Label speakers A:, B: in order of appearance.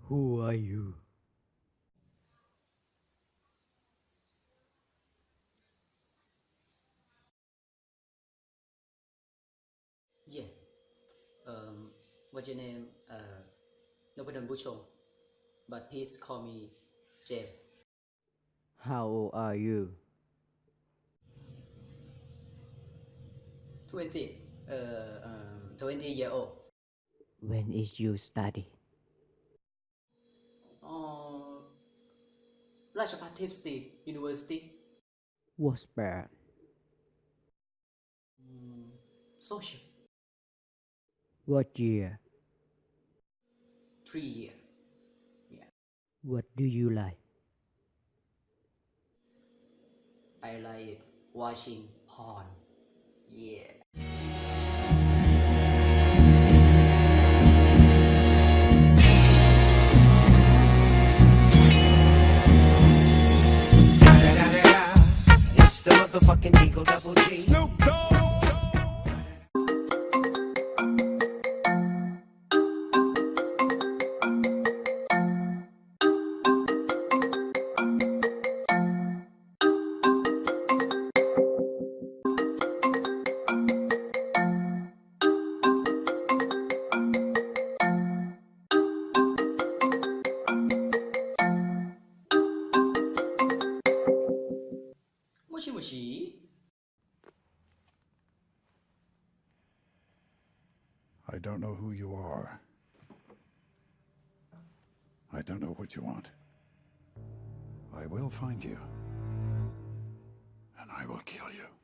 A: Who are you?
B: Yeah. What's your name? Nobudan Bucho. But please call me James.
A: How old are you?
B: 20. 20-year old.
A: When is you study?
B: Uh, Rajabhat University.
A: What's bad?
B: Social.
A: What year?
B: 3 year. Yeah.
A: What do you like?
B: I like watching porn. Yeah.
C: It's the motherfucking Eagle Double G. Snoop Dogg.
B: Moshi moshi.
D: I don't know who you are. I don't know what you want. I will find you. And I will kill you.